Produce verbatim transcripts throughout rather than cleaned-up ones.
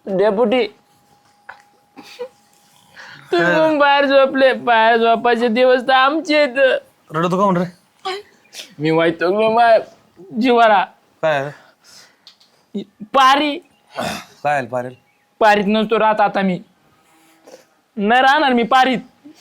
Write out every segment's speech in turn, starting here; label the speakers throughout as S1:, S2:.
S1: Deputy तुम्ही बाहेर झोपले, बाहेर झोपायचे दिवस तर आमचे आहेत.
S2: रडतो का म्हण रे?
S1: मी वाईटलो माय जीवाला.
S2: काय
S1: पारी
S2: काय पारेल
S1: पारीत नसतो राहत आता मी, नाही राहणार मी पारीत.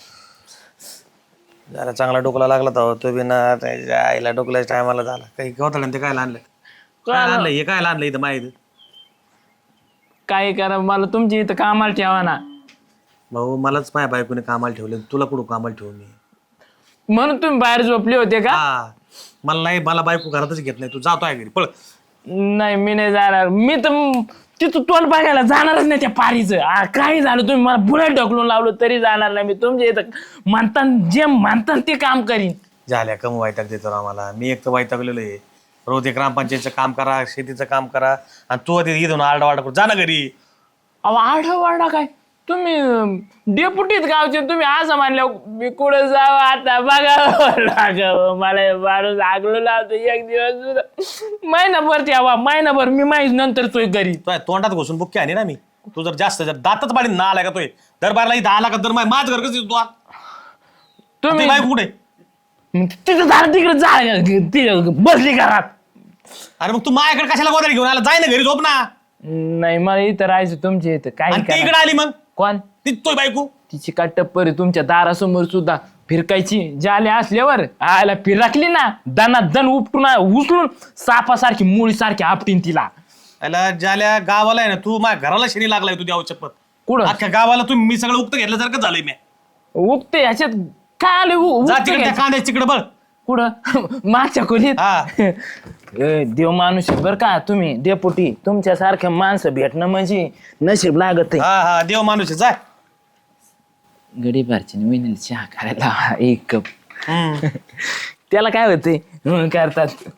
S2: जरा चांगला डोकला लागला तर तो बी ना त्याच्या आईला डोकल्याच्या टायमाला झाला. काही गवताळ्यानं ते काय आणलं काय आणलं हे काय आणलं इथं माहिती
S1: काय करा, मला तुमची इथं कामाला ठेवा ना.
S2: भाऊ मलाच माझ्या बायकोने कामाला ठेवले, तुला कुठं कामाला ठेवू मी?
S1: म्हणून तुम्ही बाहेर झोपले होते का?
S2: हा मला नाही, मला बायको घरातच घेत नाही. तू जातो आहे घरी पळ.
S1: नाही मी नाही जाणार. मी तर तिथं तोंड बघायला जाणारच नाही त्या पारीचं. काही झालं तुम्ही मला बुलेट ढकलून लावलं तरी जाणार नाही मी. तुमच्या इथं म्हणता जे म्हणता ते काम करीन.
S2: झाल्या कम वाईटाक देतो आम्हाला. मी एक तर वाईटाकलेलो आहे. रोज एक ग्रामपंचायतचं काम करा, शेतीचं काम करा, आणि तू तिथे इथून आरडा वाडा करू. जा ना घरी.
S1: अहो आढळवाडा काय तुम्ही डेपुटीत गावचे, तुम्ही असं मानलं मी कुठं जावं आता बघावं लागावं. मला माणूस आगलो लावतो एक दिवस महिनाभर ठेवा, महिनाभर मी माहीत नंतर तोय घरी.
S2: तो तोंडात घुसून बुक्की आणि ना मी. तू जर जास्त जर दातच पाडी ना आला का तोय दरबारला इथं आला का तर माझ घर कसं तू तुम्ही बायको कुठे?
S1: तिथं झालं तिकडे जा बसली घरात.
S2: अरे मग तू माझ्याकडे कशाला गोदारी घेऊन आला? जाय ना घरी झोप ना.
S1: नाही मला इथं राहायचं तुमच्या इथं. काय
S2: इकडे आली मग
S1: कोण
S2: ती तोय बायको?
S1: तिची काय टप्पर आहे तुमच्या दारासमोर सुद्धा फिरकायची. जाले असल्यावर आयला फिरकली ना दना दन उपटून उचलून सापासारखी मुळी सारखी आपटीन तिला.
S2: याला ज्याला गावाला आहे ना, तू माझ्या घराला शनी लागलाय तुझ्या औचपत.
S1: कुठं
S2: अख्ख्या गावाला तू मी सगळं उक्त घेतल्यासारखं झालंय मी.
S1: उगते ह्याच्यात काय आले
S2: जा तिकडे त्या कांद्या तिकडे बळ.
S1: कुठं मागच्या खोलीत?
S2: हा
S1: ए, देव माणूस बर का तुम्ही डेपुटी. तुमच्यासारख्या माणसं भेटणं म्हणजे नशीब लागत आहे.
S2: हा हा देव माणूस आहे. जाय
S1: गडीबारची विनेल चहा करायला एक कप. त्याला काय होते करतात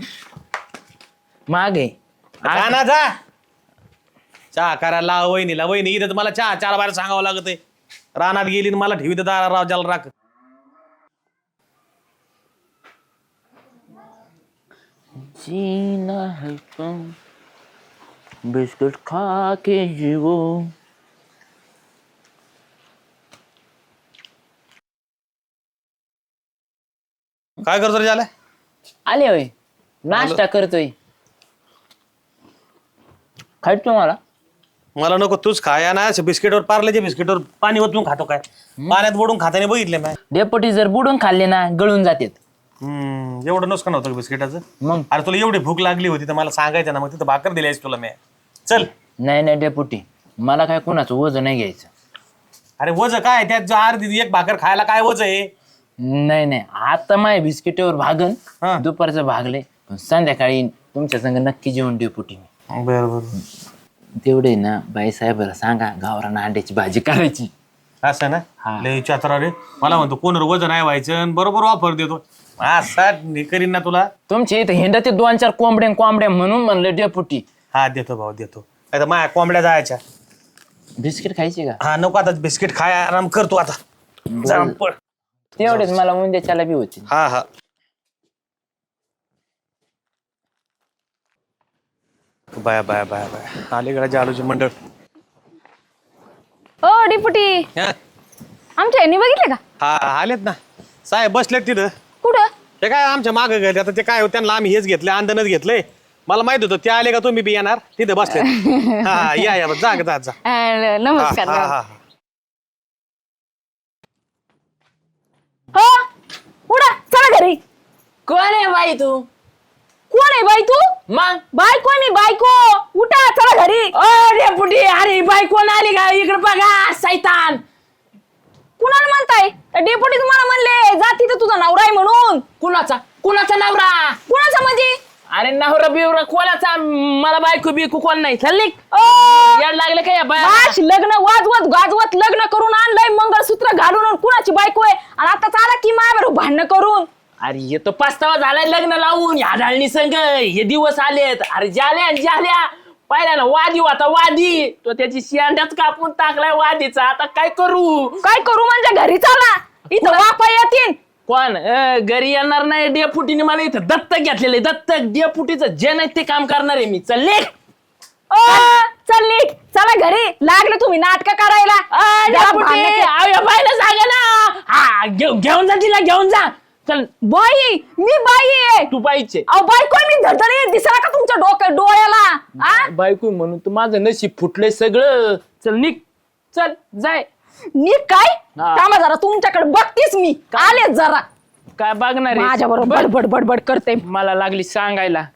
S1: मागे
S2: ना जा चहा करायला लाव वहिनीला. वहिनी इथं तर मला चहा चार बाहेर सांगावं लागत आहे. रानात गेली आणि मला ठेवी दारा राव ज्याला राख.
S1: जीना है कम बिस्कुट खा के जीवो.
S2: काय करतो रे झालं?
S1: आले होय नाश्ता करतोय. खायच तुम्हाला?
S2: मला नको तूच खाया ना. बिस्किटवर पार्लेच्या बिस्किटवर पाणी ओतून खातो काय? पाण्यात बुडून खाताने बघितले मी.
S1: डेपुटी जर बुडून खाल्ले ना गळून जातात.
S2: हम्म एवढं नुकसान होतं बिस्किटाचं.
S1: मग
S2: अरे तुला एवढी भूक लागली होती तर मला सांगायचं ना, मग तिथं भाकर दिली तुला मी. चल.
S1: नाही नाही डेपुटी मला काय कोणाचं वजन नाही घ्यायचं.
S2: अरे वज काय त्यात अर्धी एक भाकर खायला काय वज आहे?
S1: नाही नाही आता माझ्या बिस्किटावर भागन
S2: हा.
S1: दुपारचं भागले पण संध्याकाळी तुमच्या संग नक्की जेवण डेपुटी मी.
S2: बरं बरं
S1: तेवढे ना बाई साहेबाला सांगा गावरान अंड्याची भाजी करायची.
S2: असं ना.
S1: हा.
S2: लय चातरा रे. मला म्हणतो कोण वजन नाही व्हायचं आणि बरोबर ऑफर देतो. असा करीन ना तुला.
S1: तुमच्या इथं हिंडा ते दोन चार कोंबड्या कोंबड्या म्हणून म्हणलं डेपुटी.
S2: हा देतो भाऊ देतो. आता माझ्या कोंबड्या जायच्या.
S1: बिस्किट खायची का?
S2: हा नको आता बिस्किट खाय आराम करतो आता. जा पळ.
S1: तेवढेच मला उंद्याच्याला बी होती.
S2: हा हा बाया बाया बाया बाया अलीकडे जालूची मंडळ.
S3: ओ डिपुटी
S2: हा
S3: आमच्या यांनी बघितले का?
S2: हा, आलेत ना साहेब बसलेत तिथं.
S3: कुठं?
S2: ते काय आमच्या मागं गेले. आता ते काय त्यांना आम्ही हेच घेतले अंधनच घेतले. मला माहित होतं ते आले का तुम्ही बी येणार. तिथे बसले. हा या या जा जा जा.
S3: अं, नमस्कार.
S2: हा, हा, हा.
S3: हो उडा चला घरी.
S1: कोण आहे बाई तू?
S3: कोण आहे बाई तू?
S1: मग
S3: बायको आहे मी बायको. उठा चला घरी.
S1: ओ डेपुटी अरे बाई कोण आली का इकडे बघा सैतान.
S3: कुणाला म्हणताय? डेपुटी तुम्हाला म्हणले जा तिथं तुझा नवरा आहे म्हणून.
S1: कुणाचा कुणाचा नवरा?
S3: कुणाचा म्हणजे?
S1: अरे नवरा बिवरा कोणाचा? मला बायको बिकू कोण नाही. चालली
S3: ओ
S1: याड लागले का या बाया?
S3: बाश लग्न वाजवत गाजवत लग्न करून आणलंय मंगळसूत्र घालून आणि कुणाची बायको आहे आणि आता चाला की माझ्यावर भांडणं करून.
S1: अरे हे तो पाचतावा झालाय लग्न लावून ह्या ढाळणी संघ हे दिवस आलेत. अरे जाल्या जाल्या पाहिला ना वादी होता वादी. तो त्याची शियांड्याच कापून टाकलाय वादीचा. आता काय करू?
S3: काय करू म्हणजे घरी चला इथं वापा येतील.
S1: कोण अं, घरी येणार नाही. डेपुटीने मला इथं दत्तक घेतलेलं आहे. दत्तक डेपुटीचं जे नाही ते काम करणार आहे मी. चल ले.
S3: ओ चल नीट चला घरी लागले तुम्ही नाटक करायला
S1: आ,
S3: जरा
S1: डेपुटी,
S3: भांडणं के-
S1: अहो, या बाईला सांगा ना. हा घेऊ- घेऊन जा तिला घेऊन जा. चल
S3: बाई मी बाई आहे
S1: तू पाहिजे
S3: अहो बाई कोण मी धडधडी दिसला का तुमच्या डोक्या डोळ्याला आ
S1: बायको म्हणून तू माझं नशीब फुटलंय सगळं. चल निघ चल जाय.
S3: नी काय
S1: हा.
S3: थांबा जरा तुमच्याकडे बघतीस मी आलेच जरा
S1: काय बघणार आहे?
S3: माझ्या बरोबर बडबड बडबड करते
S1: मला लागली सांगायला.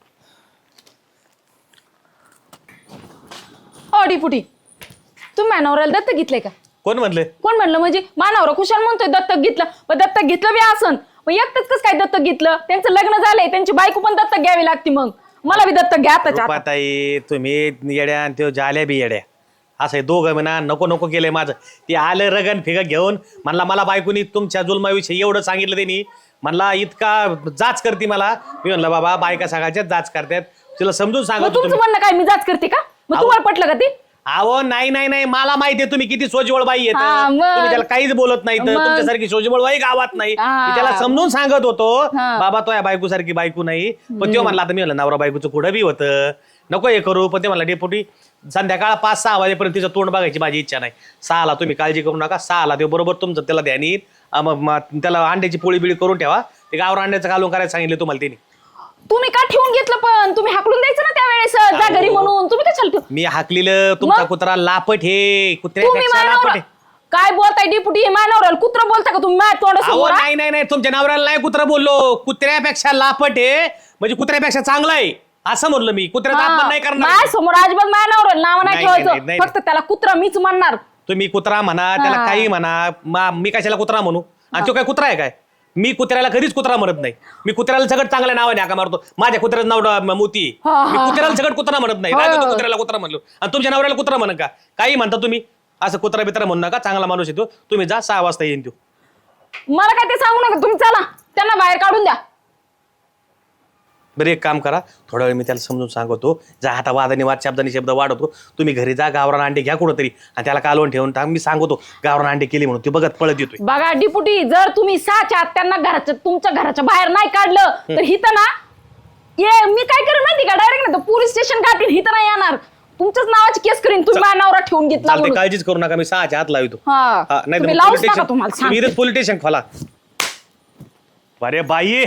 S3: ओ डिपुटी तुम्ही माझ्या नवऱ्याला दत्तक घेतलंय का
S2: कोण म्हणले
S3: कोण म्हणलं म्हणजे मानावर खुशाल म्हणतोय दत्तक घेतलं पण दत्तक घेतलं बी असन मग एकटंच कसं काय दत्तक घेतलं त्यांचं लग्न झालंय त्यांची बायको पण दत्तक घ्यावी लागती मग मला बी दत्तक घ्या आताच्या आता.
S2: रुपाताई तुम्ही येड्या आणि त्यो जाल्या बी येड्या असं आहे दोघं म्हणा नको नको केलंय माझं ते आलं रगन फिगं घेऊन म्हणला मला बायकोनी तुमच्या जुलमाविषयी एवढं सांगितलं त्यांनी म्हणला इतका जाच करते मला मी म्हणलं बाबा बायका सगळ्याच्याच जाच करतात तिला समजून
S3: मग
S2: सांगतो
S3: तुमचं म्हणणं काय मी जाच करते का मग
S2: अहो.
S3: तुम्हाला पटलं का ते
S2: अहो नाही नाही नाही मला माहिती आहे तुम्ही किती सोजवळ बाई येत
S3: हा, मग.
S2: तुम्ही त्याला काहीच बोलत नाही तर
S3: मग.
S2: तुमच्यासारखी सोजवळ बाई गावात नाही
S3: हा.
S2: मी त्याला समजून सांगत होतो
S3: हा.
S2: बाबा तो या बायको सारखी बायको नाही पण तो म्हणला आता मी म्हणलं नवरा बायकोचं कुठं बी होतं नको हे करू पण ते म्हणला डेपुटी संध्याकाळ पाच सहा वाजेपर्यंत तिचं तोंड बघायची माझी इच्छा नाही सहाला तुम्ही काळजी करू नका सहाला ते बरोबर तुमचं त्याला ध्यान येईल अं, मग मग त्याला अंड्याची पोळी बिळी करून ठेवा ते गावर अंड्याचं घालून करायला सांगितलं तुम्हाला त्यांनी
S3: तुम्ही का ठेवून घेतलं पण तुम्ही हाकलून द्यायचं ना त्यावेळेस जा घरी म्हणून तुम्ही कशाला ठेव
S2: मी हाकलेलं तुमचा
S3: मग?
S2: कुत्रा लापट हे
S3: तुम्ही
S2: कुत्र्यापेक्षा लापट
S3: मानवर
S2: आहे
S3: काय बोलताय डिपुटी मानवराल कुत्र बोलता का तुम्ही माझ्या
S2: अहो
S3: तोंडासमोर हा?
S2: नाही नाही नाही तुमच्या नवऱ्याला नाही कुत्रा बोललो कुत्र्यापेक्षा लापट आहे म्हणजे कुत्र्यापेक्षा चांगला आहे असं म्हणलं मी कुत्र्याचा अपमान नाही करणार
S3: माझ्या समोर अजिबात माझ्या नवऱ्याला नाव नाही
S2: नाही, नाही,
S3: ठेवायचं
S2: नाही.
S3: फक्त त्याला कुत्रा मीच म्हणणार
S2: तुम्ही कुत्रा म्हणा त्याला
S3: हा.
S2: काही म्हणा मा- मी कशाला कुत्रा म्हणू आणि तो काय कुत्रा आहे काय मी कुत्र्याला कधीच कुत्रा म्हणत नाही मी कुत्र्याला सगळं चांगल्या नावाने हाका मारतो माझ्या कुत्र्याचं नाव डा- मोती आहे.
S3: हा,
S2: मी
S3: हा,
S2: कुत्र्याला सगळं कुत्रा म्हणत नाही
S3: हा.
S2: राहतो तो कुत्र्याला कुत्रा म्हणलो आणि तुमच्या नवऱ्याला कुत्रा म्हणत का काही म्हणता तुम्ही असं कुत्रा बित्रा म्हणू नका चांगला माणूस येतो तुम्ही जा सहा वाजता येईन तो
S3: मला काय ते सांगू नका तुम्ही चला त्यांना बाहेर काढून द्या
S2: बरं एक काम करा थोडा वेळ मी त्याला समजून सांगतो जा आता वादाने वाद शब्दाने शब्द वाढवतो तुम्ही घरी जा गावरान अंडे घ्या कुठंतरी आणि त्याला कालवून ठेवून टाक मी सांगतो गावरान अंडे केली म्हणून ते बघत पळत येतोय
S3: बघा डिपुटी जर तुम्ही साच्या त्यांना घराच्या तुमच्या घराच्या बाहेर नाही काढलं तर हिथं ना ये मी काय करेन माहिती का डायरेक्ट ना पोलीस स्टेशन गाठीन हिथं नाही येणार तुमच्याच नावाची केस करीन तुम्ही माझ्या नवरा ठेवून घेतला
S2: चालते
S3: म्हणून.
S2: काळजीच करू नका मी सहाच्या हात लावतो
S3: हा.
S2: नाही
S3: तुम्ही लावूच नका तुम्हाला सांगते.
S2: पोलीस स्टेशन खोला अरे बाई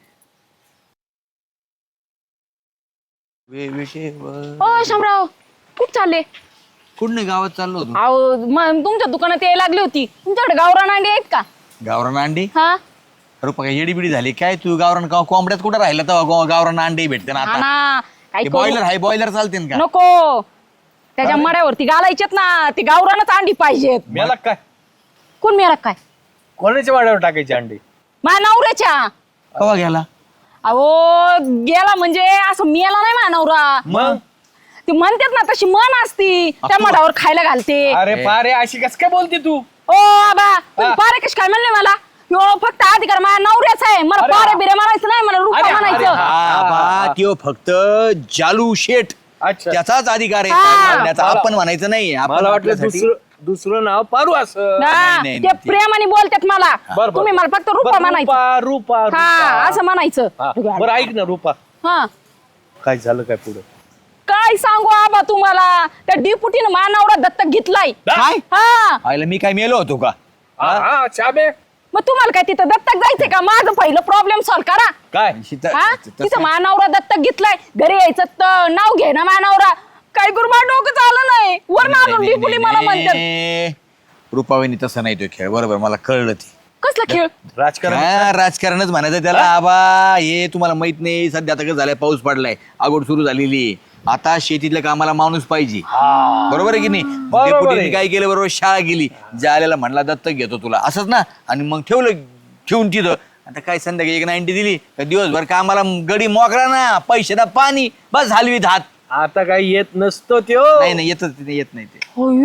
S3: हो शामराव खूप चालले
S4: कुठं गावात चाललो होतो
S3: अहो म- तुमच्या दुकानात यायला लागली होती तुमच्याकडे गावरान अंडी आहेत का
S4: गावरान अंडी
S3: हा
S4: अरे काय येडीबिडी झाली काय तू गावरान का- कोंबड्यात कुठं राहिला तेव्हा गावरान अंडी भेटते ना
S3: हा
S4: आता
S3: ना काय करू?
S4: बॉयलर हाय बॉयलर चालते का
S3: नको त्याच्या मड्यावरती घालायचेत ना ती गावरानच अंडी पाहिजेत
S5: मेला काय
S3: कोण मेरा काय
S5: कोणाच्या वाड्यावर टाकायची अंडी
S3: माझ्या नवऱ्याच्या
S4: कवा गेला
S3: अहो गेला म्हणजे असं मेला नाही माझ्या नवरा
S5: मग
S3: ती म्हणतात ना तशी मन असती त्या मठावर खायला घालते
S5: अरे पारे अशी कस काय बोलते तू
S3: ओ आबा तुम्ही पारे कशी काय म्हणले मला यो फक्त अधिकार माझ्या नवऱ्याचा आहे मला
S5: अरे,
S3: पारे बिरे म्हणायचं नाही मला रुपा
S5: अरे, अरे,
S3: म्हणायचं
S5: हा.
S4: आबा त्यो फक्त जालू शेठ
S5: अच्छा.
S4: त्याचाच अधिकार आहे
S3: हा.
S4: काय म्हणण्याचा. आपण म्हणायचं नाही आपण
S5: मला वाटलं
S4: आपल्यासाठी-
S5: दुसरं दुसरं नाव पारू असं
S3: ना,
S4: नाही,
S3: ते
S4: नाही, ते-
S3: प्रेमाने बोलतात मला
S5: बरं, बरं.
S3: तुम्ही मला फक्त रुपा
S5: बरं,
S3: म्हणायचं
S5: रूपा रूपा
S3: हा
S5: रूपा.
S3: असं म्हणायचं
S5: हा, बरं ऐक ना रूपा
S3: हा
S5: काय झालं काय पुढे
S3: काय सांगू आबा तुम्हाला त्या डिपुटीनं माझ्या नवरा दत्तक घेतलाय
S4: काय
S3: हा
S4: आयला मी काय मेलो होतो का
S5: हा चाबे
S3: मग तुम्हाला काय तिथं दत्तक जायचंय का माझं पहिलं प्रॉब्लेम सॉल्व करा
S5: काय
S4: शीतल-
S3: हा
S4: तसं-
S3: तिथं माझा नवरा दत्तक घेतलाय घरी यायचं तर नाव घे ना माझा नवरा काय करू माझं डोकं चाललं नाही वर
S4: नाही,
S3: अजून
S4: नाही,
S3: डिपुटी
S4: नाही,
S3: मला
S4: नाही,
S3: म्हणतात
S4: नाही. रुपावहिनी तसं नाही तो खेळ बरोबर मला कळलं ते
S3: कसला खेळ
S5: राजकारण
S4: हा, राजकारणच म्हणायचं त्याला आबा हे तुम्हाला माहित नाही सध्या आता कसं झालंय पाऊस पडलाय आगोड सुरू झालेली आहे. आता शेतीतल्या कामाला माणूस पाहिजे बरोबर आहे की नाही
S5: बरोबर
S4: डेपुटीने
S5: आहे.
S4: काय केलं बरोबर शाळा गेली जाल्याला म्हणला दत्तक घेतो तुला असंच ना आणि मग ठेवलं ठेवून तिथं आता काय संध्याकाळी एक नाईन्टी दिली का दिवसभर कामाला गडी मोकरा ना पैसे ना पाणी बस हलवीत हात
S5: आता काही येत नसतो त्यो
S4: नाही नाही येतच नाही येत नाही ते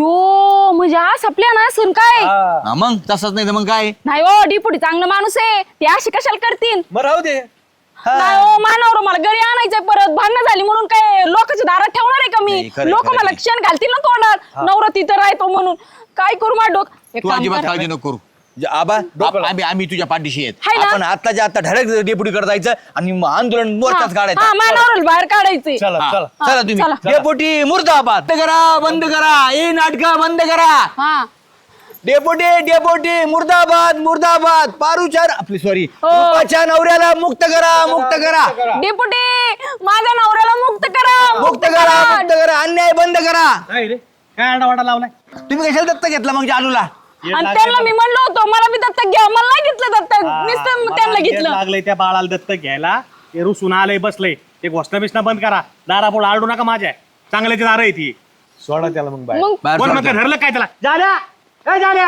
S3: अयो म्हणजे आज आपल्या ना सण काय
S5: हा.
S4: हा, मग तसंच नाही तर मग काय
S3: नाही हो डिपुटी चांगला माणूस आहे ते असे कशाला करतील
S5: मग राहू दे
S3: नाही हो मानवर मला घरी आणायचंय परत भांडणं झाली म्हणून काय लोकांच्या दारात ठेवणार आहे का
S4: नाही,
S3: मी
S4: खरंय,
S3: लोक
S4: खरंय.
S3: मला क्षण घालतील ना तोंडात नवरा तिथं राहतो म्हणून काय करू माझं डोक एक
S4: तू
S3: काम
S4: अजिबात
S3: कर.
S4: काळजी नको करू ज- आबा आप- आम्ही आम्ही तुझ्या पाठीशी आहेत
S3: हाय ना?
S4: आपण आत्ताच्या आता धडक डेप्युटी करत जायचं आणि मग आंदोलन मोर्चाच काढायचं
S3: हा मानावर बाहेर काढायचे
S5: चला
S4: हा,
S5: चला
S4: चला तुम्ही
S3: चला.
S4: डेपुटी मुर्दाबाद बंद करा बंद करा हे नाटक बंद करा
S3: हा
S4: डेपुटी डेपुटी मुर्दाबाद मुर्दाबाद पारुचार आपली सॉरी रूपाच्या नवऱ्याला मुक्त करा मुक्त करा
S3: डेपुटी माझ्या नवऱ्याला मुक्त करा
S4: मुक्त करा मुक्त करा अन्याय बंद करा
S2: काय रे काय आडावाडा लावलाय
S4: तुम्ही कशाला दत्त घेतला मग जालूला
S3: आणि त्यांना मी म्हणलो होतो मला मी दत्तक घ्या मला नाही घेतलं दत्तक नुसतं त्यांना घेतलं
S2: लागलंय त्या बाळाला दत्तक घ्यायला ते रुसून आलंय बसलंय ते घोषणा बिषणा बंद करा दारापुढे आडू नका माझ्या चांगल्याची दार आहे ती
S5: सोडा त्याला मग बाहेर
S3: मग
S4: बाहेर
S2: कोण
S4: सोडा.
S2: म्हणतं ठरलं काय त्याला झाल्या काय झाल्या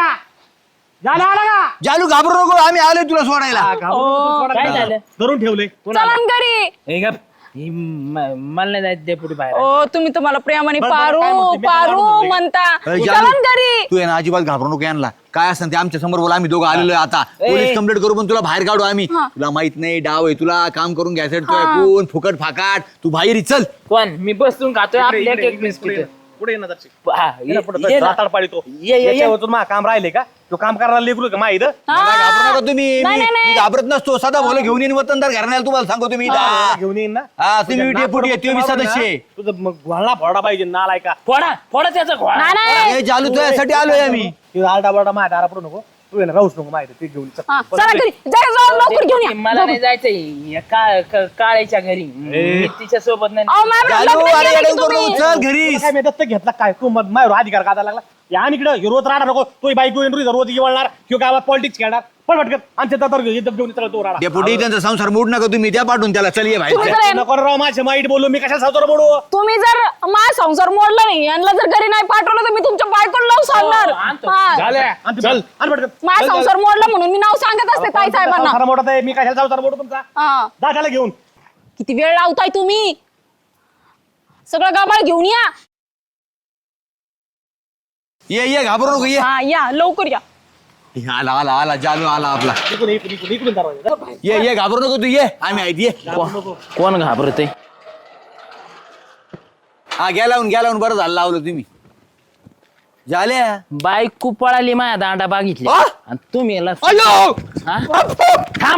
S2: झाल्या आला का
S4: जालू घाबरू नको आम्ही आलोय तुला सोडायला
S1: काय झालं
S2: धरून ठेवले
S3: चला न घरी
S1: हे गप. ही म- मला नाही जायचं डेपुटी बाहेर
S3: ओ तुम्ही तर मला प्रेमाने
S2: बरं, बरं,
S3: पारू
S2: काय म्हणते? मी काय
S3: पारू
S2: म्हणतो?
S3: म्हणता
S4: अरे
S3: चला
S4: जालू,
S3: न घरी
S4: तू आहे ना अजिबात घाबरू नको यांना काय असं ते आमच्या समोर बोला आम्ही दोघं आलेलो आहे आता पोलीस कंप्लेंट करू पण तुला बाहेर काढू आम्ही
S3: हा.
S4: तुला माहित नाही डाव आहे तुला काम करून घ्यायचं कोण फुकट फाकाट तू बाहेर ये, चल
S1: कोण मी बसून खातोय आपल्या एक बिस्किट
S2: पुढे ये ना दर्शक.
S1: हा, ये- ये ना.
S2: राताड पाडी तो
S1: ये- ये- ये.
S2: याच्यावर मा काम राहिले का तो काम करायला लेकरू का माहित
S3: हा.
S4: मला घाबरू नका तुम्ही
S3: नाही,
S4: मी
S3: नाही, नाही.
S4: मी घाबरत नसतो सदा भोलं घेऊन येईन वतनदार घराण्याला तुम्हाला सांगतो तुम्ही इथं.
S2: घेऊन येईन ना
S4: हा तुम्ही डेपुटी आहे तुम्ही सदस्य आहे.
S2: तुझं मग घोळा फोडा पाहिजे नालाय का
S1: फोडा फोडा त्याचा घोडा
S3: नाही नाही
S4: हे चालू तुझ्यासाठी आलोय आम्ही
S2: आरडा बरडा माझ्या दारा पडू नको तू आहे ना राहूच नको माहिती ते घेऊन चल.
S3: हा, चला घरी जा जाऊ लवकर घेऊन या
S1: मला नाही जायचंय या का- का- काळ्याच्या घरी मी तिच्या सोबत नाही
S3: अहो, मॅम,
S4: चालू
S3: लग्न
S4: अरे
S3: केलं की
S4: येडं करू,
S3: तुम्ही?
S4: चल घरी
S2: तुला काय मी दत्तक घेतला काय तू मग माझ्यावर अधिकार काढायला लागला या आणि इकडं रोज राहणार नको तो बाईक रोज येवळणार किंवा गावात पॉलिटिक्स खेळणार पण भटकत आमच्या दातर घेऊन चला तो राहणार
S4: डेपुटी त्यांचा संसार मोड नका तुम्ही त्या पाठवून त्याला चल ये
S3: तुम्ही
S4: बाहेर
S3: जर
S2: नको राव माझ्या माईट बोलू मी कशा सावतर बोलू
S3: तुम्ही जर माझा संसार मोडला नाही यांना जर घरी नाही पाठवलं तर मी तुमच्या बायकोला नाव सांगणार
S1: हो, आणतो.
S3: हा.
S2: झालं चल आणि भटकत
S3: माझा संसार मोडला म्हणून मी नाव सांगत असते ताई साहेबांना
S2: संसार मोठा आहे मी कशाला संसार मोडू तुमचा
S3: हा
S2: जा त्याला घेऊन
S3: किती वेळ लावताय तुम्ही सगळं गाबाळ घेऊन या
S4: ये ये घाबरू नको ये
S3: हा या लवकर या
S4: हे आला आला आला जालू आला आपला
S2: इकडून इकडून इकडून इकडून दरवाजा.
S4: ये ये घाबरू नको तू ये आम्ही आहेत ये
S1: कोण घाबरते
S4: हा घ्या लावून घ्या लावून बरं झालं लावलं तुम्ही झाल्या
S1: बाईक पळाली माझ्या दांडा बागितली
S4: आ?
S1: आणि तुम्ही याला-
S4: अयो
S1: हा? थांब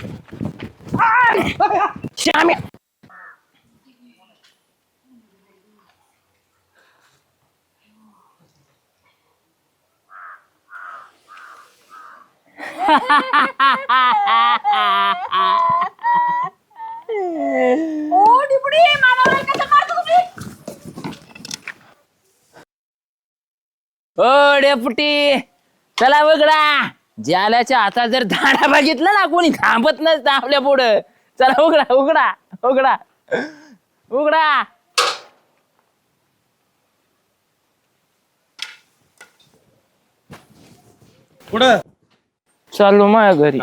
S1: श्याम्या.
S3: ओ डिपुडी मला नाही कसं मारतो तुम्ही
S1: ओ डेपुटी चला उघडा ज्याल्याच्या हातात जर दांडा बघितला ना कोणी थांबत नसतं आपल्या पुढं चला उघडा उघडा उघडा उघडा
S2: पुढं
S1: चाललो माझ्या घरी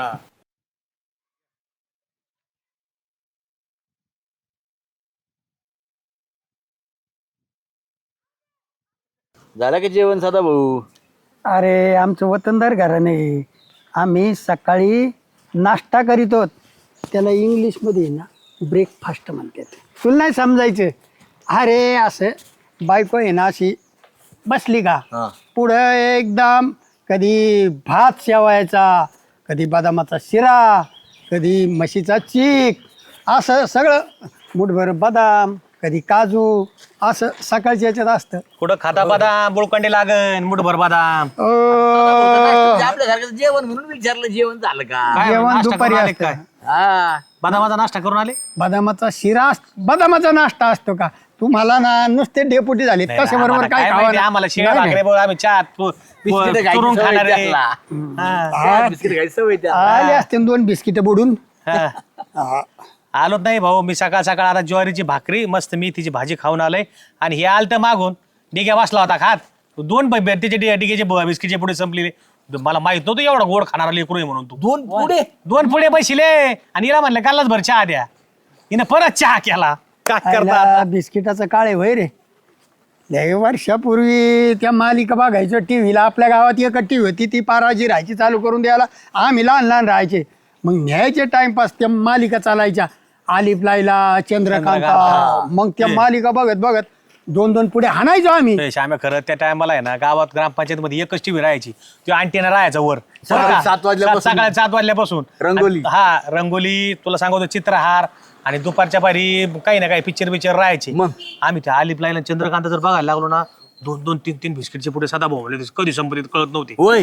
S4: झालं का जेवण सदा भाऊ
S6: अरे आमचं वतनदार घराणे आहे. आम्ही सकाळी नाश्ता करीतो त्याला इंग्लिशमध्ये ना ब्रेकफास्ट म्हणतात तुला नाही समजायचं अरे असं बायको आहे ना अशी बसली का
S4: हा.
S6: पुढं एकदम कधी भात शेवायचा कधी बदामाचा शिरा कधी म्हशीचा चीक असं सगळं मुठभर बदाम कधी काजू असं सकाळच्या याच्यात असतं
S2: कुठं खाता बदाम बोळकंडे लागन मुठभर बदाम
S6: ओ,
S4: आपल्यासारखं जेवण म्हणून विचारलं जेवण झालं का
S2: काय
S6: जेवण
S2: नाश्ता
S6: दुपारी
S2: करून आले
S6: असतं.
S2: काय
S4: हा
S2: बदामाचा नाश्ता करून आले
S6: बदामाचा शिरा अस- बदामाचा नाश्ता असतो का तुम्हाला ना नुसते डेपुटी झाले
S2: नाही,
S6: तसे बरोबर
S2: आम्हाला
S6: काय
S2: काय
S6: खावं
S2: माहिती,
S6: ना?
S2: आम्हाला शेळ्या
S6: नाही,
S2: भाकरे बघ, आम्ही चहा प-
S4: बिस्किटं
S2: प-
S4: खायची
S2: चुरून
S4: सवय
S2: खाणार आहे.
S4: त्याला.
S2: हा,
S6: हा,
S4: बिस्किट खायची सवय त्याला.
S6: आले असते दोन बिस्किट बुडून
S2: हा.
S6: हा.
S2: आलोच नाही भाऊ मी सकाळ सकाळ आता ज्वारीची भाकरी मस्त मी तिची भाजी खाऊन आलोय आणि हे आलत मागून डिग्या बसला होता खात दोन ब- ब- त्याचे डि- डिग्याचे ब- बिस्किटचे पुढे संपलेले मला माहित नव्हतं एवढा गोड खाणारा लेकरू आहे म्हणून तू
S4: दोन पुढे
S2: दोन पुढे बसले आणि हिला म्हणलं कालच भर चहा द्या हिनं परत चहा केला काय करता
S6: आयला
S2: आता?
S6: बिस्किटाचं काळे होय रे लय वर्षापूर्वी त्या मालिका बघायचो टीव्हीला आपल्या गावात एक टीव्ही होती ती पाराजी राहायची चालू करून द्यायला आम्ही लहान लहान राहायचे मग न्यायचे टाइमपास त्या मालिका चालायच्या आलिफ लायला चंद्रकांता
S2: चंद्रकांता.
S6: मग त्या मालिका बघत बघत दोन दोन पुढे हाणायचो आम्ही
S2: ए, श्याम्या खरं त्या टायमाला आहे ना गावात ग्रामपंचायत मध्ये एकच टीव्ही राहायची तो अँटीना राहायचा वर
S4: सकाळी सात वाजल्यापासून.
S2: सकाळी सात वाजल्यापासून
S4: रंगोली.
S2: आणि- हा रंगोली तुला सांगतो चित्रहार आणि दुपारच्या पारी काही ना काही पिक्चर बिक्चर राहायचे
S4: मग?
S2: आम्ही त्या आलिप लाईन चंद्रकांत जर बघायला लागलो ना दोन दोन तीन तीन बिस्किटचे पुढे सदा भाऊ कधी संपत्तीत कळत नव्हते
S4: होय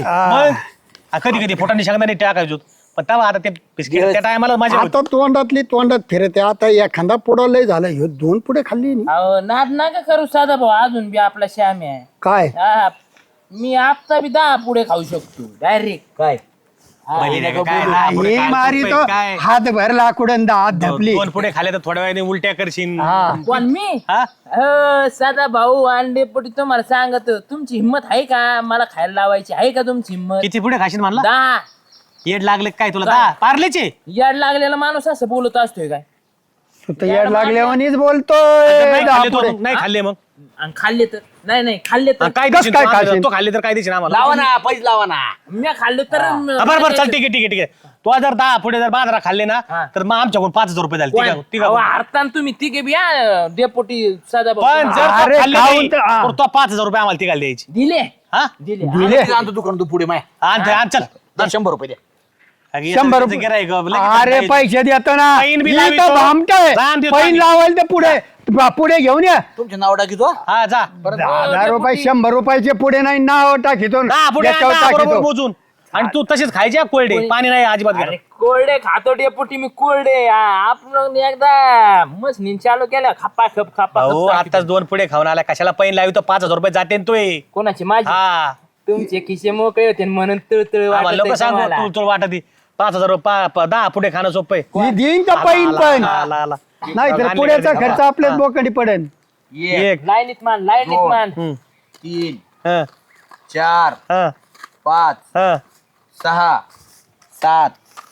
S2: मग कधी कधी फोटाने शेंगदाणे टाकायचो पण तेव्हा आता ते बिस्किट त्या टायमाला मजा होती.
S6: आता तोंडातली तोंडात फिरते आता एखादा पुढं लय झालं ह्यो दोन पुढे खाल्ली नी.
S1: अहो नाद नका करू साधा भाऊ अजून बी आपला श्याम आहे
S6: काय
S1: हा, मी आता बी दहा पुढे खाऊ शकतो डायरेक्ट
S4: काय
S2: पहिले नाही का काय, हा, पुढे
S6: हे
S2: काय,
S6: मारी
S2: झोपेत
S6: तो
S2: काय?
S6: हात भरला कुडन हात धपली
S2: दोन पुढे खाले तर थोड्या वेळाने उलट्या करशील
S1: पण मी
S2: हा
S1: अ, साधा भाऊ अंडे पोटी तुम्हाला सांगत तुमची हिंमत आहे का मला खायला लावायची आहे का तुमची हिंमत
S2: किती पुढे खाशील म्हणला
S1: दहा
S2: येड लागले काय तुला दहा पार्लेचे
S1: याड लागलेला माणूस असं बोलत असतोय काय
S6: तू तर याड लागल्यावानीच बोलतोय
S2: नाही
S6: दहा
S2: खाल्ले तो,
S6: पुढे.
S2: नाही खाल्ले मग
S1: आणि खाल्ले तर नाही नाही खाल्ले तर
S2: हा, काय
S6: कस
S2: देशील
S6: काय
S2: तू आम्हाला?
S6: खाशील?
S2: तो खाल्ले तर काय देशील आम्हाला
S4: लावा ना पैसे लावा ना
S1: मी खाल्ले तर
S2: हा, बरं बरं चल ठीक आहे ठीक आहे ठीक आहे तो जर दहा पुढे जर बाजारा खाल्ले ना
S1: हा.
S2: तर मग आमच्याकडून पाच हजार रुपये झाले ठीक आहे ठीक आहे
S1: हरताना तुम्ही तिघे बी या डेपोटी साधा
S2: पण
S1: भाऊ
S2: जर तो
S6: अरे,
S2: खाल्ले
S6: खाऊन
S2: नाही,
S6: तर- हा.
S2: तर तो पाच हजार रुपये आम्हाला तिघाला द्यायची
S1: दिले
S2: हा
S1: दिले
S6: दिले
S4: आणतो दुकान तू पुढे माय
S2: आण ते, आण, चल
S4: दर शंभर रुपये द्या
S6: शंभर रुपये अरे पैसे देतो ना
S2: पैन बी
S6: ही
S2: लावितो.
S6: तर भामटंय.
S2: रान देतो
S6: पैन
S2: आम्ही.
S6: लावायला तर पुढे बा- पुढे घेऊन या
S4: तुमचे नाव टाकी तो
S2: हा जा
S6: दहा हजार रुपये शंभर रुपयाचे पुढे नाही नाव टाकीतो
S2: दहा पुढे आण,
S6: याच्यावर
S2: दहा बरोबर
S6: टाकीतो.
S2: मोजून आणि तू तसेच खायचे हा कोल्डे पाणी नाही अजिबात
S1: अरे
S2: घ्यायला.
S1: कोरडे खातो डेपुटी मी कोरडे आ, आपण एकदा मस्त चालू केल्या खप्पा खप खप्पा
S2: भाऊ
S1: खप टाकीतो.
S2: आताच दोन पुढे खाऊन आला कशाला पैन लावी तो पाच हजार रुपये जाते ना तोय
S1: कोणाची माझी
S2: हा
S1: तुमचे खिसे मोकळे होते म्हणून तळतळ
S2: आम्हाला लोक
S1: वाटत
S2: सांगू तू तुला वाटत पाच हजार रुपये पा- पा- दहा पुढे खाणं सोपं आहे.
S6: ही देईन का पैन
S2: आला,
S6: पण
S2: आला, आला.
S6: नाही तर
S2: आणले
S6: पुढ्याचा
S2: घरी.
S6: खर्च आपल्याच बोकडी पडेल
S4: एक
S2: एक
S1: लाईनीत मान लाईनीत
S4: दोन.
S1: मान
S2: हम्म.
S4: तीन
S2: हा,
S4: चार
S2: हा,
S4: पाच
S2: हा.
S4: सहा सात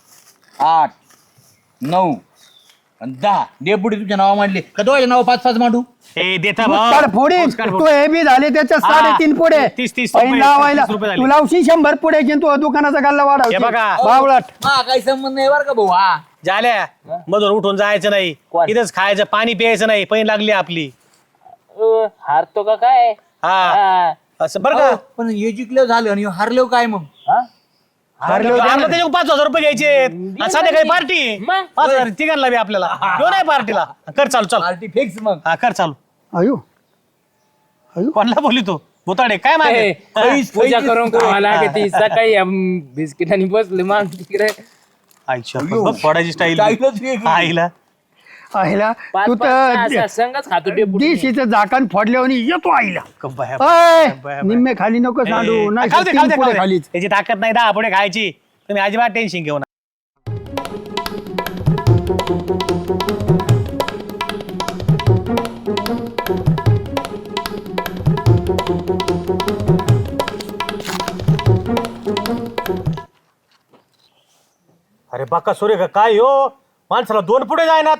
S4: आठ नऊ आणि दहा डेपुटी तुमच्या नावा मांडले का दोघांच्या नाव पाच पाच मांडू
S2: ए देता
S6: काढ पुढे
S2: पोच काढ,
S6: तू
S2: पोच.
S6: हे बी झाले त्याच्या
S2: हा.
S6: साडेतीन पुढे
S2: तीस- तीस
S6: पैन
S2: रुपये,
S6: लावायला
S2: तीस रुपये झाले.
S6: तू लावशी शंभर पुढे घेऊन तू दुकानाचा गल्ला
S2: हे
S6: वाढव
S2: बघा.
S6: बावळट
S4: हा काही संबंध नाही बरं का भाऊ हा
S2: झाल्या मधून उठून जायचं नाही
S1: कोण?
S2: इथंच खायचं पाणी प्यायचं नाही पैन लागली आपली
S1: अ, हारतो का काय
S2: हा
S1: हा.
S2: असं बरं का
S4: पण हे जिंकलं झालं आणि हरलो काय मग
S1: हा?
S6: हरलो
S2: आम्हाला त्याच्याकडून पाच हजार रुपये घ्यायचे आणि संध्याकाळी पार्टी
S1: मग?
S2: पाच हजार तिघांना बी आपल्याला घेऊन नाही पार्टीला कर चालू चल
S4: पार्टी फिक्स मग
S2: हा कर चालू
S6: अयो अयो
S2: कोणाला बोलली तू भुताडे काय मागे
S1: ए, पूजा करून खावा ती सकाळी अम, बिस्किटांनी बसले मग तिकडे
S2: आईच्या बघ, फोडायची स्टाईल
S4: स्टाईलच वेगळी.
S2: आईला
S6: आईला
S1: पाच
S6: तू
S1: पाच सहा-
S6: तर
S1: सहा संघच खातो डेपुटी
S6: दिशीचं झाकण फोडल्यावर येतो आईला
S2: कंबाया.
S6: अय,
S2: बाय, बाय.
S6: निम्मे खाली नको सांडू
S2: ए,
S6: नाही
S2: खाऊ दे,
S6: तर
S2: खाऊ
S6: तीन
S2: दे,
S6: पुढे
S2: खाऊ दे.
S6: खालीच
S2: त्याची ताकद नाही दहा पुढे खायची तुम्ही अजिबात टेन्शन घेऊ नका अरे बाका सूर्य का काय हो माणसाला दोन पुढे जायनात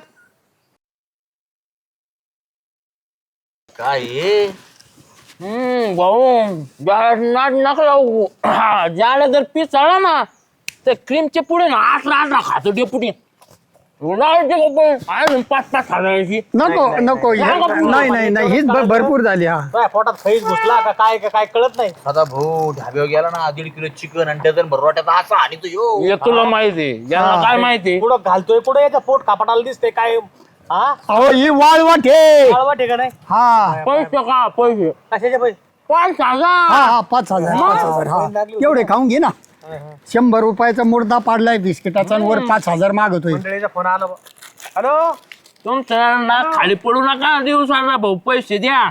S4: काय हे?
S1: हम्म भाऊ नाट नका लावू ज्याला जर पीस आला ना तर क्रीमचे पुढे ना आठला आठला खातो डेपुटी लावायचे का पण? अजून पाच पाच खाजायची
S6: नको नको हे- नाही नाही नाही हीच भ- भरपूर झाली हा
S2: काय पोटात खैस घुसला का काय का काय कळत नाही
S4: आता भाऊ ढाब्यावर गेला ना दीड किलो चिकन आणि डझन भर रोट्याचा असा आणि तो यो
S1: हे तुला माहिती ज्यांना काय माहिती
S2: पुढं घालतोय पुढे याच्या पोट कापडाला दिसतंय काय हा
S6: अहो ही वाळवट हे
S2: कळवा ठिकाण आहे
S6: हा
S1: पैसे का पैसे
S2: कशाचे पैसे
S1: पाच
S6: हा
S1: हजार
S6: हा पाच हजार पाच हजार हा तेवढे खाऊन घे ना शंभर रुपयाचा मुर्दा पाडलाय बिस्किटाचा आणि वर पाच हजार मागतोय
S2: मंडळीचा फोन आला बा. हॅलो
S1: तुमच्या ना खाली पडू नका दिवसाला भाऊ पैसे द्या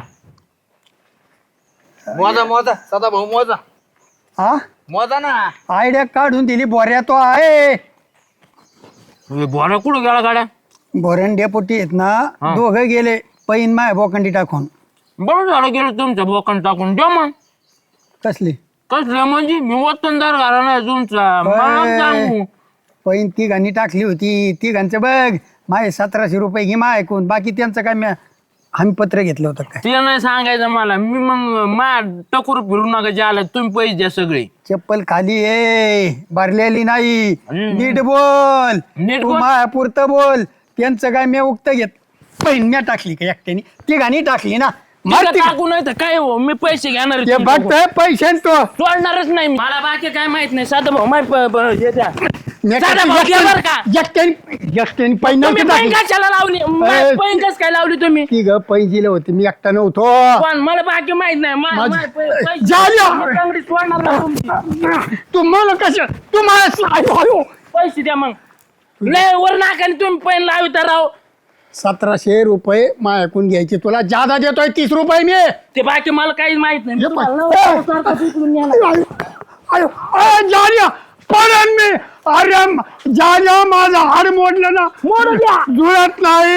S4: मोजा मोजा सदा भाऊ मोजा
S6: हा
S4: मोजा ना
S6: आयडिया काढून दिली बोऱ्या तो आहे
S1: बोला कुठं गेला गाड्या
S6: बोऱ्यान डेपोटी आहेत ना दोघं गेले पैन माय बोकंडी टाकून
S1: बरं झालं गेलं तुमच्या बोकन टाकून द्या मग
S6: कसली
S1: कसलं म्हणजे मी वतनदार घाला नाही तुमचा मला सांगू
S6: पैन तिघांनी टाकली होती तिघांचं बघ माय सतराशे रुपये घे माय ऐकून बाकी त्यांचं काय मी हमी पत्र घेतलं होतं काय
S1: ते नाही सांगायचं मला मी मग मा टकूर फिरू नका ज्याला तुम्ही पैसे द्या सगळे
S6: चप्पल खाली ये भरलेली नाही
S1: हम्म.
S6: नीट बोल
S1: नीट
S6: तू
S1: बोल.
S6: माया पुरतं बोल त्यांचं काय मी उक्त घेत पैन म्या टाकली का एकट्याने तिघांनी टाकली ना मार
S1: तिला
S6: तिकडे.
S1: टाकू नाही तर काय हो मी पैसे घेणार
S6: ते बघतोय पैसे तो
S1: सोडणारच नाही मी. मला बाकी काय माहित नाही साधा भाऊ माय प- प- हे द्या.
S6: मी
S1: साधा भाऊ द्या बरं का
S6: एकट्याने एकट्याने पैन
S1: तुम्ही पैन
S6: नव्हते
S1: कशाला लावली
S6: ए.
S1: पैन कस काय लावली तुम्ही
S6: ती ग पैन दिलं होते मी एकटा नव्हतो
S1: पण मला बाकी माहित नाही मा-
S6: माझी-
S1: माय पै- पैसे-
S6: जाल्या.
S1: मी चांगली सोडणार नाही तुमची.
S6: तू मला कसं तू मला आयो, आयो.
S1: पैसे द्या मग लय वर नाकाने तुम्ही पैन लाविता राव
S6: सतराशे रुपये माझ्याकडून घ्यायचे तुला जादा देतोय तीस रुपये मी
S1: ते बाकी मला काहीच माहित नाही
S6: हे
S1: तुम्हाला
S6: पाय.
S1: नवरा सारखं उचलून न्यायला.
S6: आयो, आयो. अ, जाल्या पडन मी अरे म- जाल्या माझं हाड मोडलं ना मोड द्या जुळत नाही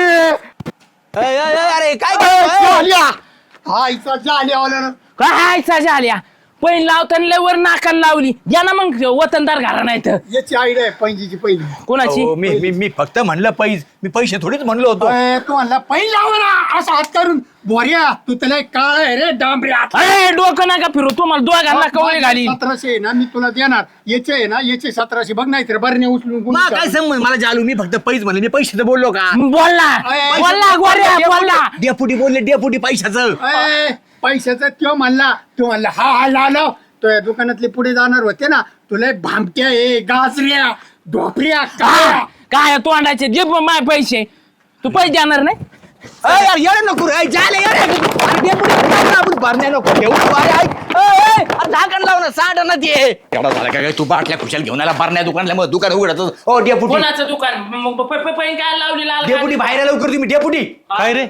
S4: अय, अय, अय, अरे काय
S6: अ,
S4: करतोय?
S6: जाल्या आईचा जाल्या आला ना
S1: काय साजा आल्या पैन लावताना लय वर नाकाला लावली या ना मग वतनदार घरा नाही तर
S6: याची आयडिया आहे पैंजीची पहिली
S1: कोणाची
S4: अहो, मी मी मी फक्त म्हणलं पैस मी पैसे थोडीच म्हणलो होतो
S6: अय, तू म्हणला पैन लावा ना असं हात करून बोऱ्या तू त्याला एक काळ आहे रे डांबऱ्या
S1: अरे डोकं नका फिरू तुम्हाला दोघांना कवळे घाली
S6: सतराशे आहे ना मी तुला देणार याचे आहे ना याचे सतराशे बघ नाही तर बरणे उचलून गुन्हे
S4: मला काय
S6: चालू.
S4: संबंध मला जालू मी फक्त पैस म्हणले मी पैशाचं बोललो का
S1: बोलला
S6: अय,
S1: बोलला गोऱ्या बोलला
S4: डेपुटी बोलले डेपुटी पैशाचं
S6: अय, पैशाचा त्यो म्हणला तो म्हणला हा हा लालो तो या दुकानातले पुढे जाणार होते ना तुला एक भामट्या आहे गाजऱ्या ढोपऱ्या काय
S1: काय तोंडाचे जे पण माय पैसे तू पैसे देणार नाही
S4: अय, यार येडे नको रे अय, जाले येडे अरे डेपुटी काय ना आपण भरण्या नको ठेवू अरे ऐक अय, अय, अरे झाकण लाव ना सांड ना ते एवढा झाला काय काय तू बाटल्या खुशाल घेऊन आला भरण्या दुकानला मग दुकान उघडत ओ डेपुटी
S1: कोणाचं दुकान मग प- प- पैन काय लावली लाल
S4: डेपुटी बाहेर आला लवकर तुम्ही डेपुटी
S2: काय रे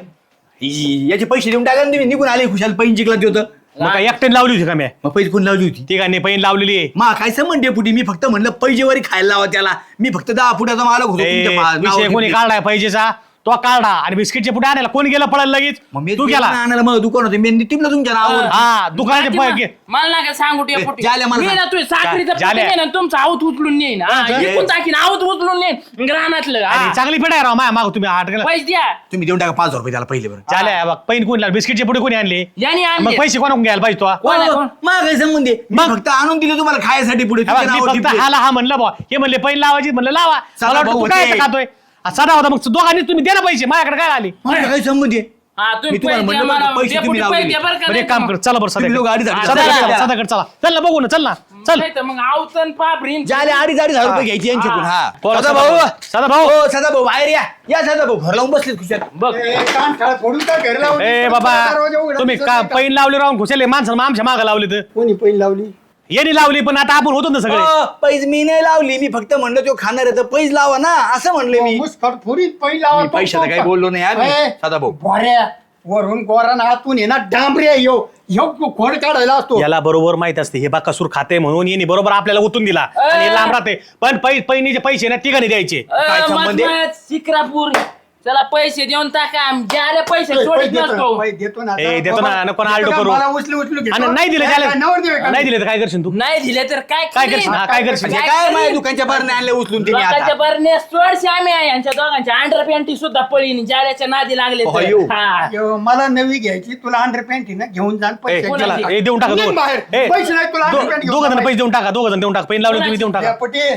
S4: इ- याचे पैसे देऊन टाका ना तुम्ही निघून आले खुशाल पैन जिंकला ते होतं
S2: मग काय एकट्याने लावली होती का मी
S4: मग पैसे कोण लावली होती
S2: तिघांनी पैन लावलेली आहे
S4: मा काय संबंध डेपुटी मी फक्त म्हणलं पैजेवारी खायला लावा त्याला मी फक्त दहा फुटाचा मालक होतो
S2: ए,
S4: तुमच्या मा-
S2: विषय
S4: नावावर
S2: कोणी
S4: घेतली.
S2: काढलाय पाहिजेचा तो काढा आणि बिस्किटचे पुढे आणायला कोण गेला पळायला लगेच
S4: मग मी
S2: तू गेला
S4: आणायला मग दुकान होते मी टिपलं तुमच्या नावावर
S2: हा दुकानाचे पैसे
S1: मला ना काय सांगू डेपुटी
S4: झाल्या मला
S1: मी
S4: सांग.
S1: ना तू साखरीचं
S2: झा- झाल्या.
S1: पेटी आहे ना तुमचं आवत उचलून नेईन हा,
S2: हा,
S1: इकून टाकीन आवत उचलून नेईन रानातलं हा.
S2: अरे, चांगली पेट आहे राव माया माग तुम्ही आठ गेला
S1: पैसे द्या
S4: तुम्ही देऊन टाका पाच हजार रुपये त्याला पहिले बरं
S2: चाल्या बघ पैन कोणी लावले बिस्किटचे पुढे कोणी आणले
S1: याने
S2: मग
S1: आणले
S2: पैसे कोणाकडून घ्यायला पाहिजे तो
S1: कोण आहे, कोण?
S4: मग काय संबंध आहे? मी
S2: मग?
S4: फक्त आणून दिले तुम्हाला खायसाठी पुढे
S2: हे बघ,
S4: तुमच्या
S2: मी
S4: नावावर
S2: फक्त
S4: टिपले.
S2: हाला हा म्हणलं बा हे म्हणले पैन लावायची म्हणलं लावा
S4: साधा
S2: मला वाटलं
S4: भाऊ
S2: तू काय
S4: होते.
S2: खातोय हा, साधा होता मग दोघांनी तुम्ही द्या ना पैसे माझ्याकडे काय आले
S4: मग काय संबंध आहे?
S1: हा तुम्ही
S4: मी तुम्हाला
S1: पैसे द्या
S4: म्हणलं बरं,
S1: मला.
S4: पैसे तुम्ही
S1: डेपुटी
S4: लावलेले.
S1: पैसे द्या बरं का,
S2: बरं
S1: नाही
S2: एक काम
S1: तर
S2: कर चला बरं
S4: तुम्ही लोक अडीच
S2: सध्या
S4: अडीच
S2: सध्या
S4: हजार
S2: चला
S4: द्या.
S2: सध्याकडे चला चल ना बघू ना चल ना चल
S1: नाही तर मग आवतन पापरीन
S4: ज्याले अडीच अडीच हजार रुपये घ्यायची यांच्याकडून
S1: हा.
S4: हा
S2: बोला,
S4: सदा
S2: सदा
S4: भाऊ
S2: भाऊ. सदा भाऊ.
S4: हो सदा भाऊ बाहेर या या सदा भाऊ घर लावून बसलेत खुशाल
S1: बघ
S6: ए, कान खाळ फोडून का घर लावून
S2: ए बाबा
S6: दरवाजा उघडा
S2: तुम्ही
S6: दिसत
S2: का
S6: नाही का?
S2: पैन लावले राहून घुसले माणसं आमच्या मागं लावले तर
S6: कोणी पैन लावली
S2: यांनी लावली पण आता आपण होतो ना सगळे
S4: अ, पैज मी नाही लावली मी फक्त म्हणलं तो खाणार आहे तर पैज लावा ना असं म्हणले मी
S6: मुस्कट फोडीत पैन लावा
S4: मी पैशाचं काही बोललो नाही आम्ही.
S6: ए,
S4: सदा भाऊ.
S6: बोऱ्या वरून गोरान हातून ये ना डांबरे यो ह्यो खोड काढायला असतो
S2: याला बरोबर माहित असते हे बाकासूर खाते म्हणून यांनी बरोबर आपल्याला उतून दिला आणि हे लांब राहते पण पै पैनीचे पैसे ना तिघांनी द्यायचे
S4: काय संबंध आहे?
S1: शिक्रापूर चला पैसे देऊन टाका ज्याला पैसे
S6: पैसे
S1: सोडित
S6: देतो ना,
S1: नसतो
S6: पैसे देतो ना
S2: ए, देतो ना, नको ना आलटो करू.
S6: मला उचलू उचलू घेतो.
S2: आणि नाही दिले
S6: काय-
S2: त्याला
S6: काय नवर देऊ का?
S2: नाही दिले तर काय करशील तू
S1: नाही दिले तर काय
S2: काय
S1: करीन?
S2: करशील हा, काय करशील
S4: म्हणजे
S1: काय
S4: काय माझ्या
S1: करीन?
S4: दुकानच्या बाहेर आणले उचलून तिने
S1: लोकांच्या
S4: आता
S1: बरणे सोडशे आम्ही आहे यांच्या दोघांच्या अंडर पॅन्टी सुद्धा पळीन जाल्याच्या नादी लागले तर.
S4: अयो.
S1: हा.
S6: यो, मला नवी घ्यायची तुला अंडर पॅन्ट ना घेऊन जा आणि
S2: ए,
S6: पैसे
S2: चला
S6: घेऊन
S2: ए, देऊन टाका
S6: निघ
S2: दोघं.
S6: बाहेर.
S2: ए,
S6: पैसे नाही तुला
S2: दो-
S6: अंडर पॅन्ट
S2: दोघं जण पैसे देऊन टाका दोघं जण देऊन टाका पैन लावले तुम्ही देऊन टाका
S6: पटे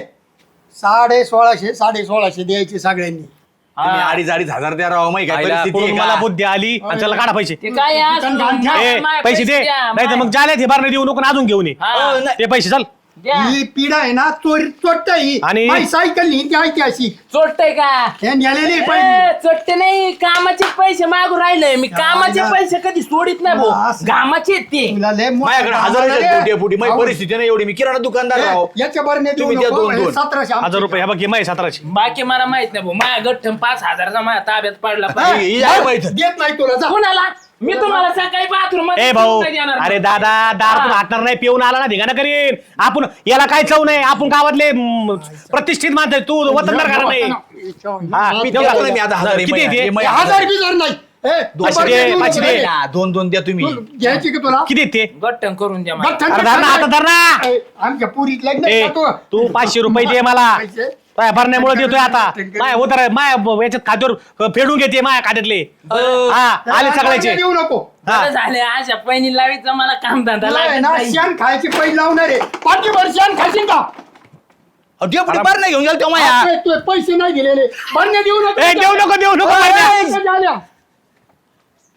S6: साडे सोळाशे साडे सोळाशे द्यायचे सगळ्यांनी
S4: तुम्ही अडीच अडीच हजार द्या राव माहिती काय
S2: आईला
S4: परिस्थिती
S2: पुढून
S4: आहे
S2: मला
S4: का?
S2: बुद्धी आली आणि त्याला काढा पैसे
S1: ते काय आहे असं?
S6: दुकान घाल.
S2: ए,
S1: माय
S2: पैसे दे
S1: द्या,
S2: नाही तर
S1: माय.
S2: मग जाल्या ते बारणे देऊ नको आणि अजून घेऊन ये
S1: हा.
S4: अ, नाही.
S2: ते पैसे चल
S1: द्या.
S6: ही पिढा आहे ना चोरी चोरटा ही
S2: आणि-
S6: माझी सायकल ही ती ऐतिहासिक
S1: चोरटय का
S6: हे नेलेली
S1: ए,
S6: पैसे
S1: चोरटे नाही कामाचे पैसे मागू राहिले मी कामाचे
S6: ना.
S1: पैसे कधी सोडित नाही भाऊ
S6: असं.
S1: घामाचे आहेत ते
S6: तुला लय मोठं
S4: माझ्याकडे
S6: काम
S4: हजार
S6: झालं
S4: फुटे
S6: रे.
S4: फुटी माझी
S6: अहो,
S4: परिस्थिती नाही एवढी मी किराणा दुकानदार राव
S6: ए, याच्या बरणे देऊ
S4: तुम्ही द्या
S6: नको
S4: दोन- दोन.
S6: सतराशे आमचे.
S2: हजार रुपये हे बघ माही सतराशे
S1: बाकी मला माहित नाही भाऊ माझ्या गठ्ठम पाच हजाराचा माझ्या ताब्यात पडला
S6: हा,
S1: पाहिजे.
S4: ही आहे माहित.
S6: देत नाही तुला जा
S1: कुणाला मी तुम्हाला सकाळी बाथरूम
S2: ए भाऊ अरे दादा दारातून हाटणार नाही पिऊन आला ना धिगाणा करीन आपण याला काय चव नाही आपण गावातले म, प्रतिष्ठित माणसं आहे. तू वतनदार घरा नाही हा,
S4: मी
S2: देऊ
S4: देतो
S2: का?
S4: ना मी आता हजार
S2: किती
S4: रुपये.
S2: येते?
S4: हे माझे
S6: हजार बिजार नाही ए,
S4: दोन-
S6: बरणे
S2: पाचशे दे,
S6: देऊ
S2: पाचशे
S6: नको
S2: दे.
S6: रे.
S4: हा, दोन दोन द्या तुम्ही
S6: तू घ्यायची का तुला
S2: किती येते
S1: गठ्ठम करून द्या
S6: बघ,
S1: मला.
S6: थंड-
S2: अरे धर ना आता धर ना
S6: ए, आमच्या पुरीत लग्न
S2: ए,
S6: खातो.
S2: तू पाचशे रुपये दे मला
S6: पैसे?
S2: काय भरण्यामुळे देतोय आता माय होतर माय याच्यात खात्यावर फेडून घेते माया खात्यातले हा आले सगळ्याचे
S6: देऊ नको
S2: हा.
S1: बरं झाले अशा पहिली लावीचं मला काम धंदा
S6: नाही
S1: लागत
S6: ना
S1: नाही.
S6: शेण खायची पैसे लावणार आहे पाठीभर शेण खाशील का
S4: अहो, डेपुटी बाहेर नाही घेऊन गेल तेव्हा या.
S6: तू पैसे नाही दिलेले बरणे देऊ नको
S2: ए, देऊ नको देऊ नको
S6: ए,
S2: भरण्या.
S6: पैसे झाल्या.